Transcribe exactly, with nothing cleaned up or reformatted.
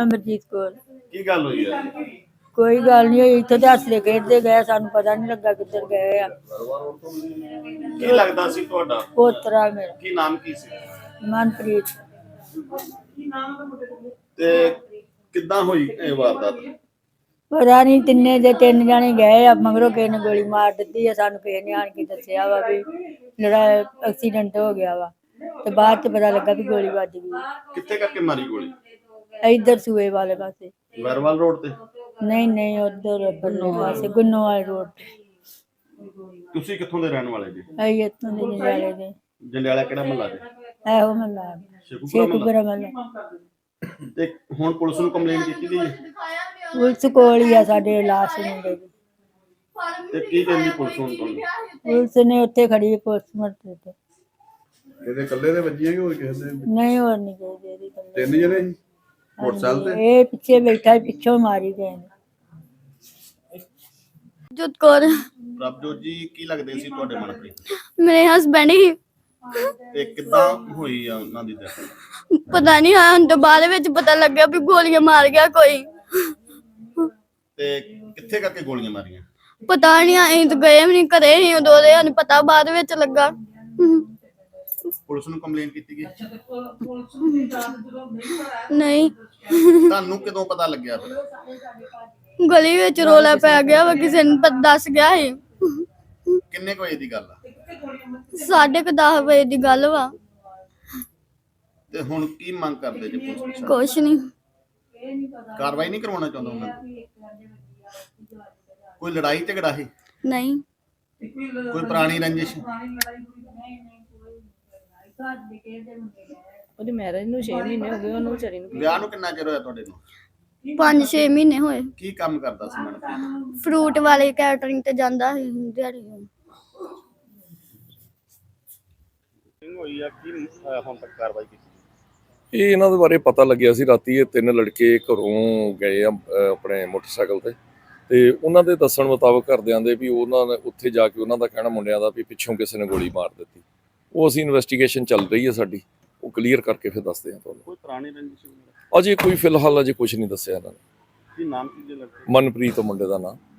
ਅਮਰਜੀਤ ਕੌਰ। ਕੀ ਗੱਲ ਹੋਈ ਹੈ? ਕੋਈ ਗੱਲ ਨਹੀਂ ਹੋਈ, ਇੱਥੇ ਤੇ ਹੱਸਦੇ ਖੇਡਦੇ ਗਏ, ਸਾਨੂੰ ਪਤਾ ਨਹੀਂ ਲੱਗਾ ਕਿੱਧਰ ਗਏ ਆ। ਕੀ ਲੱਗਦਾ ਸੀ ਤੁਹਾਡਾ? ਪੋਤਰਾ ਮੇਰਾ। ਕੀ ਨਾਮ ਕੀ ਸੀ? ਮਨਪ੍ਰੀਤ। ਤੇ ਕਿੱਦਾਂ ਹੋਈ ਇਹ ਵਾਰਦਾਤ? ਪਤਾ ਨਹੀਂ, ਤਿੰਨੇ ਦੇ ਤਿੰਨ ਜਾਣੇ ਗਏ ਆ, ਮਗਰੋਂ ਕਿਸੇ ਨੇ ਗੋਲੀ ਮਾਰ ਦਿੱਤੀ ਆ। ਸਾਨੂੰ ਕਿਸੇ ਨੇ ਆਣ ਕੇ ਦੱਸਿਆ ਵਾ ਵੀ ਜਿਹੜਾ ਐਕਸੀਡੈਂਟ ਹੋ ਗਿਆ ਵਾ, ਤੇ ਬਾਅਦ ਚ ਪਤਾ ਲੱਗਾ ਵੀ ਗੋਲੀ ਵੱਜ ਗਈ। ਕਿੱਥੇ ਕਰਕੇ ਮਾਰੀ ਗੋਲੀ? ਇੱਧਰ ਸੂਏ ਵਾਲੇ ਪਾਸੇ। ਵਰਵਾਲ ਰੋਡ ਤੇ? ਨਹੀਂ ਨਹੀਂ, ਉਧਰ ਬੰਨੋ ਪਾਸੇ, ਗੁੰਨੋ ਵਾਲੇ ਰੋਡ ਤੇ। ਤੁਸੀਂ ਕਿੱਥੋਂ ਦੇ ਰਹਿਣ ਵਾਲੇ ਜੀ? ਅਸੀਂ ਇੱਥੋਂ ਦੇ ਜੰਡਿਆਲੇ ਦੇ। ਜੰਡਿਆਲਾ ਕਿਹੜਾ ਮਹੱਲਾ ਜੀ? ਇਹੋ ਮਹੱਲਾ ਸ਼ੇਖੂਪੁਰਾ ਮਹੱਲਾ। ਤੇ ਹੁਣ ਪੁਲਿਸ ਨੂੰ ਕੰਪਲੇਂਟ ਕੀਤੀ ਗਈ ਹੈ? ਪੁਲਿਸ ਕੋਲ ਹੀ ਆ ਸਾਡੇ ਲਾਸ਼ ਮੁੰਡੇ ਦੀ। ਤੇ ਕੀ ਕਹਿੰਦੀ ਪੁਲਿਸ ਹੁਣ ਤੁਹਾਨੂੰ? ਪੁਲਿਸ ਨੇ ਉੱਥੇ ਖੜੀ ਪੋਸਟਮਾਰਟਮ ਤੇ। ਇਹਦੇ ਇਕੱਲੇ ਦੇ ਵੱਜੀ ਹੈ ਕਿ ਹੋਰ ਕਿਸੇ ਦੇ? ਨਹੀਂ, ਹੋਰ ਨਹੀਂ ਗਏ ਇਹਦੀ। ਤਿੰਨ ਜਣੇ ਸੀ ਮੋਟਰਸਾਈਕਲ ਤੇ? ਇਹ ਪਿੱਛੇ ਬੈਠਾ, ਪਿੱਛੋਂ ਮਾਰੀ ਗਏ ਨੇ। ਜੋਤ ਕੌਰ। ਪ੍ਰਭਜੋਤ ਜੀ, ਕੀ ਲੱਗਦੇ ਸੀ ਤੁਹਾਡੇ ਮਨਪ੍ਰੀਤ? ਮੇਰੇ ਹਸਬੈਂਡ ਹੀ। ਤੇ ਕਿੱਦਾਂ ਹੋਈ ਆ ਉਹਨਾਂ ਦੀ ਡੈਥ? ਪਤਾ ਨਹੀਂ, ਹਾਂ ਤੋਂ ਬਾਅਦ ਵਿੱਚ ਪਤਾ ਲੱਗਿਆ ਵੀ ਗੋਲੀਆਂ ਮਾਰ ਗਿਆ ਕੋਈ। ਤੇ ਕਿੱਥੇ ਕਰਕੇ ਗੋਲੀਆਂ ਮਾਰੀਆਂ? ਪਤਾ ਨਹੀਂ, ਅਸੀਂ ਤਾਂ ਗਏ ਵੀ ਨਹੀਂ, ਘਰੇ ਹੀ ਉਦੋਂ ਦੇ, ਸਾਨੂੰ ਪਤਾ ਬਾਅਦ ਵਿੱਚ ਲੱਗਾ। ਪੁਲਿਸ ਨੂੰ ਕੰਪਲੇਂਟ ਕੀਤੀ ਗਈ? ਨਹੀਂ। ਤੁਹਾਨੂੰ ਕਦੋਂ ਪਤਾ ਲੱਗਿਆ ਫਿਰ? ਗਲੀ ਵਿੱਚ ਰੋਲਾ ਪੈ ਗਿਆ ਵਾ, ਕਿਸੇ ਨੇ ਪਤਾ ਦੱਸ ਗਿਆ ਸੀ। ਕਿੰਨੇ ਕੁ ਵਜੇ ਦੀ ਗੱਲ ਆ? ਸਾਢੇ ਕੁ ਦਸ ਵਜੇ ਦੀ ਗੱਲ ਵਾ। ਤੇ ਹੁਣ ਕੀ ਮੰਗ ਕਰਦੇ ਜੀ ਪੁਲਿਸ ਤੋਂ? ਕੁਛ ਨਹੀਂ। ਕਾਰਵਾਈ ਨਹੀਂ ਕਰਵਾਉਣਾ ਚਾਹੁੰਦਾ ਉਹਨਾਂ ਨੇ? ਕੋਈ ਲੜਾਈ ਝਗੜਾ ਸੀ? ਨਹੀਂ। ਕੋਈ ਪੁਰਾਣੀ ਰੰਜਿਸ਼? ਉਹਦੀ ਮੈਰਿਜ ਨੂੰ ਛੇ ਮਹੀਨੇ ਹੋ ਗਏ, ਉਹਨੂੰ ਵਿਚਾਰੀ ਨੂੰ। ਵਿਆਹ ਨੂੰ ਕਿੰਨਾ ਚਿਰ ਹੋਇਆ ਤੁਹਾਡੇ ਨੂੰ? ਪੰਜ ਛੇ ਮਹੀਨੇ ਹੋਏ। ਕੀ ਕੰਮ ਕਰਦਾ ਸੀ ਮਨਪ੍ਰੀਤ? ਫਰੂਟ ਵਾਲੇ ਕੈਟਰਿੰਗ ਤੇ ਜਾਂਦਾ ਸੀ ਦਿਹਾੜੀ। ਹੋਈ ਆ ਕੀ ਹੁਣ ਤੱਕ ਕਾਰਵਾਈ ਕੀਤੀ? ਇਹ ਇਹਨਾਂ ਦੇ ਬਾਰੇ ਪਤਾ ਲੱਗਿਆ ਸੀ ਰਾਤੀ। ਇਹ ਤਿੰਨ ਲੜਕੇ ਘਰੋਂ ਗਏ ਆ ਆਪਣੇ ਮੋਟਰਸਾਈਕਲ ਤੇ, ਤੇ ਉਹਨਾਂ ਦੇ ਦੱਸਣ ਮੁਤਾਬਕ ਘਰਦਿਆਂ ਦੇ ਵੀ ਉਹਨਾਂ ਨੇ ਉੱਥੇ ਜਾ ਕੇ ਉਹਨਾਂ ਦਾ ਕਹਿਣਾ ਮੁੰਡਿਆਂ ਦਾ ਵੀ ਪਿੱਛੋਂ ਕਿਸੇ ਨੇ ਗੋਲੀ ਮਾਰ ਦਿੱਤੀ। ਉਹ ਅਸੀਂ ਇਨਵੈਸਟੀਗੇਸ਼ਨ ਚੱਲ ਰਹੀ ਹੈ ਸਾਡੀ, ਉਹ ਕਲੀਅਰ ਕਰਕੇ ਫਿਰ ਦੱਸਦੇ ਹਾਂ ਤੁਹਾਨੂੰ। ਕੋਈ ਪੁਰਾਣੀ ਰੰਜਿਸ਼? ਅਜੇ ਕੋਈ ਫਿਲਹਾਲ ਅਜੇ ਕੁਝ ਨਹੀਂ ਦੱਸਿਆ ਇਹਨਾਂ ਨੇ। ਕੀ ਨਾਮ ਕੀ ਜੇ ਲੱਗਦਾ? ਮਨਪ੍ਰੀਤ ਮੁੰਡੇ ਦਾ ਨਾਮ।